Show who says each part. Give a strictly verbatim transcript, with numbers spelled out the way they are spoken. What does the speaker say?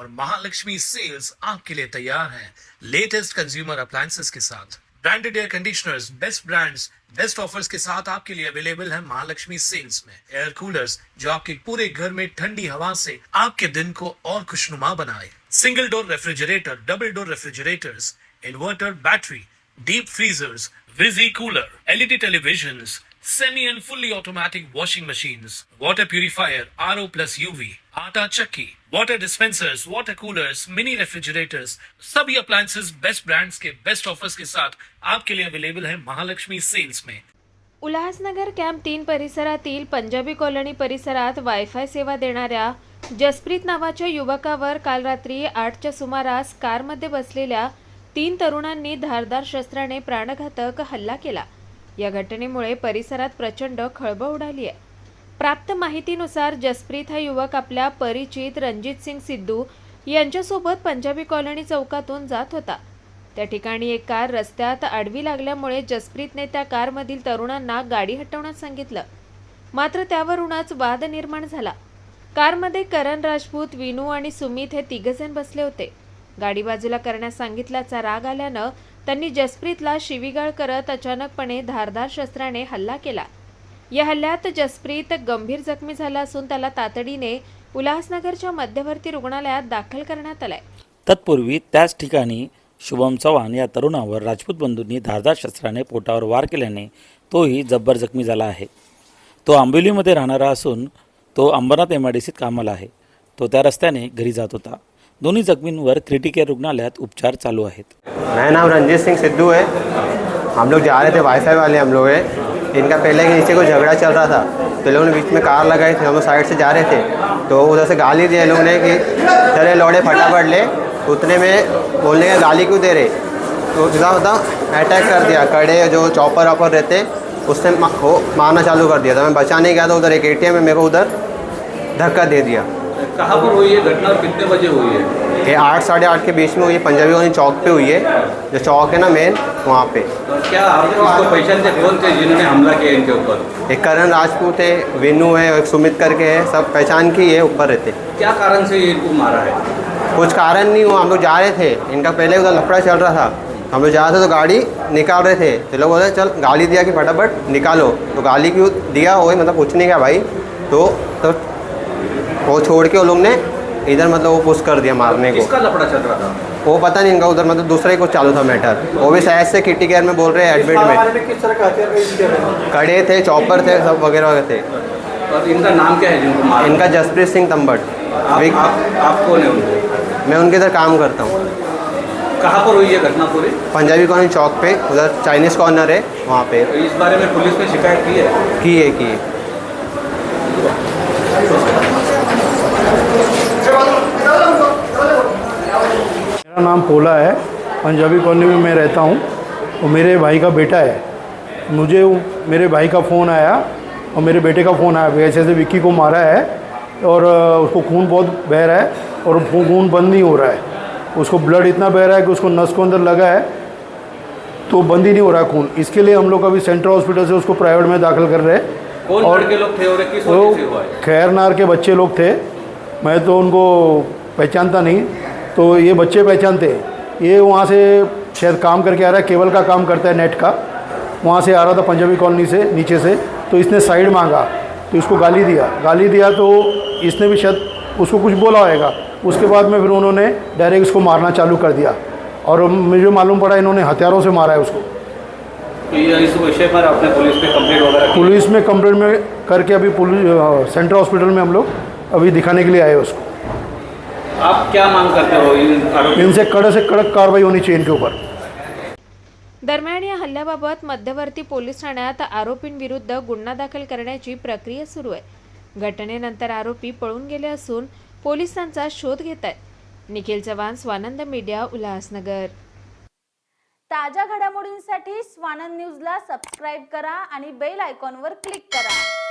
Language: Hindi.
Speaker 1: और महालक्ष्मी सेल्स आपके लिए तैयार है लेटेस्ट कंज्यूमर अप्लायंसेस के साथ। Branded air conditioners, best brands, best offers के साथ आपके लिए अवेलेबल है महालक्ष्मी सेल्स में। एयर कूलर्स जो आपके पूरे घर में ठंडी हवा से आपके दिन को और खुशनुमा बनाए। Single door refrigerator, double door refrigerators, inverter battery, deep freezers, विजी cooler, LED televisions, semi and fully automatic washing machines, water purifier, RO plus UV, आटा चक्की, water dispensers, water coolers, mini refrigerators, सभी अप्लायंसेस बेस्ट ब्रांड्स के बेस्ट ऑफर्स के साथ आपके लिए अवेलेबल है महालक्ष्मी सेल्स में।
Speaker 2: उल्हासनगर कॅम्प तीन परिसरातील पंजाबी कॉलनी परिसरात वायफाय सेवा देणाऱ्या जसप्रीत नावाच्या युवकावर काल रात्री आठच्या सुमारास कारमध्ये बसलेल्या तीन तरुणांनी धारदार शस्त्राने प्राणघातक हल्ला केला। या घटनेमुळे परिसरात प्रचंड खळबळ उडाली आहे। प्राप्त माहितीनुसार जसप्रीत हा युवक आपल्या परिचित रणजित सिंग सिद्धू यांच्यासोबत पंजाबी कॉलनी चौकातून जात होता। त्या ठिकाणी एक कार रस्त्यात आडवी लागल्यामुळे जसप्रीतने त्या कारमधील तरुणांना गाडी हटवण्यास सांगितलं, मात्र त्यावरूनच वाद निर्माण झाला। कारमध्ये करण राजपूत, विनू आणि सुमित हे तिघजण बसले होते। गाडी बाजूला करण्यास सांगितल्याचा राग आल्यानं त्यांनी जसप्रीतला शिवीगाळ करत अचानकपणे धारदार शस्त्राने हल्ला केला। या हल्ल्यात जसप्रीत गंभीर जखमी झाला असून त्याला तातडीने उल्हासनगरच्या मध्यवर्ती रुग्णालयात दाखल करण्यात आलाय।
Speaker 3: तत्पूर्वी त्याच ठिकाणी शुभम चव्हाण या तरुणावर राजपूत बंधूंनी धारदार शस्त्राने पोटावर वार केल्याने तोही जब्बर जखमी झाला आहे। तो आंबोलीमध्ये राहणारा असून तो अंबरनाथ एम आय डी सीत कामाला आहे। तो त्या रस्त्याने घरी जात होता। दोन्ही जखमींवर क्रिटिकेअर रुग्णालयात उपचार चालू आहेत।
Speaker 4: मेरा नाम रंजीत सिंह सिद्धू है। हम लोग जा रहे थे, वाईफाई वाले हम लोग हैं। इनका पहले के नीचे कोई झगड़ा चल रहा था, तो लोगों ने बीच में कार लगाई थी। हम लोग साइड से जा रहे थे तो उधर से गाली दी लोगों ने कि चले लौड़े फटाफट ले। उतने में बोलने का गाली क्यों दे रहे, तो सीधा होता अटैक कर दिया। कड़े जो चॉपर ऑपर रहते उसने वो मारना चालू कर दिया था। मैं बचाने गया तो उधर एक एटीएम में मेरे को उधर धक्का दे दिया।
Speaker 5: कहाँ पर हुई है घटना और कितने बजे हुई है?
Speaker 4: ये आठ साढ़े आठ के बीच में हुई है। पंजाबी कॉलोनी चौक पे हुई है, जो चौक है ना मेन, वहाँ पे।
Speaker 5: क्या आप इसको पहचानते कौन थे जिन्होंने हमला किया इनके ऊपर?
Speaker 4: एक करण राजपूत है, विनू है, एक सुमित करके है, सब पहचान की है, ऊपर रहते।
Speaker 5: क्या कारण से ये इनको मारा है?
Speaker 4: कुछ कारण नहीं हुआ, हम लोग जा रहे थे। इनका पहले उधर लफड़ा चल रहा था, हम लोग जा रहे थे तो गाड़ी निकाल रहे थे। तो लोग बोले चल गाली दिया कि फटाफट निकालो। तो गाली क्यों दिया वही मतलब कुछ नहीं किया भाई। तो तो वो छोड़ के वो लोग ने इधर मतलब वो पुश कर दिया मारने को।
Speaker 5: किसका लफड़ा चल रहा था?
Speaker 4: वो पता नहीं, इनका उधर मतलब दूसरे को चालू था मैटर। वो भी शायद से किटी केयर में बोल रहे हैं एडमिट में।
Speaker 5: किस तरह का हथियार?
Speaker 4: कड़े थे, चॉपर थे, सब वगैरह वगैरह थे।
Speaker 5: और इनका नाम क्या है जिनको मारा?
Speaker 4: इनका जसप्रीत सिंह तंबट।
Speaker 5: आप, आप, आप कौन है उनके?
Speaker 4: मैं उनके इधर काम करता हूँ।
Speaker 5: कहाँ पर हुई है घटना पूरी?
Speaker 4: पंजाबी कॉलोनी चौक पे, उधर चाइनीज़ कॉर्नर है वहाँ पे।
Speaker 5: तो इस बारे में पुलिस ने शिकायत की है?
Speaker 4: की है की है।
Speaker 6: मेरा नाम पोला है, पंजाबी कॉलोनी में मैं रहता हूँ और मेरे भाई का बेटा है। मुझे मेरे भाई का फ़ोन आया और मेरे बेटे का फ़ोन आया, ऐसे ऐसे विक्की को मारा है और उसको खून बहुत बह रहा है और खून बंद नहीं हो रहा है। उसको ब्लड इतना बह रहा है कि उसको नस को अंदर लगा है तो बंद ही नहीं हो रहा है खून। इसके लिए हम लोग अभी सेंट्रल हॉस्पिटल से उसको प्राइवेट में दाखिल कर रहे हैं।
Speaker 5: कौन
Speaker 4: और
Speaker 5: लड़के लोग थे और किस वजह से हुआ है?
Speaker 6: खैरनार के बच्चे लोग थे, मैं तो उनको पहचानता नहीं, तो ये बच्चे पहचानते हैं। ये वहाँ से शायद काम करके आ रहा है, केबल का काम करता है, नेट का। वहाँ से आ रहा था पंजाबी कॉलोनी से नीचे से, तो इसने साइड मांगा तो इसको गाली दिया गाली दिया तो इसने भी शायद उसको कुछ बोला होगा। उसके बाद में फिर उन्होंने डायरेक्ट इसको मारना चालू कर दिया और मुझे मालूम पड़ा इन्होंने हथियारों से मारा है उसको।
Speaker 5: तो ये इस विषय पर आपने पुलिस में कंप्लेंट वगैरह?
Speaker 6: पुलिस में कंप्लेंट में करके अभी पुलिस सेंट्रल हॉस्पिटल में हम लोग अभी दिखाने के लिए आए उसको।
Speaker 5: आप क्या मांग करते हो इन
Speaker 6: इनसे कड़े से कड़क कार्रवाई होनी चाहिए इनके ऊपर।
Speaker 2: दरम्यान या हल्ल्याबाबत मध्यवर्ती पोलीस ठाण्यात आरोपींविरुद्ध गुन्हा दाखल करण्याची प्रक्रिया सुरू आहे। घटनेनंतर आरोपी पळून गेले असून पोलीस त्यांचा शोध घेत आहेत। निखिल चव्हाण, स्वानंद मीडिया, उल्हासनगर।
Speaker 7: ताज्या घडामोडींसाठी स्वानंद न्यूजला सबस्क्राइब करा आणि बेल आयकॉनवर क्लिक करा।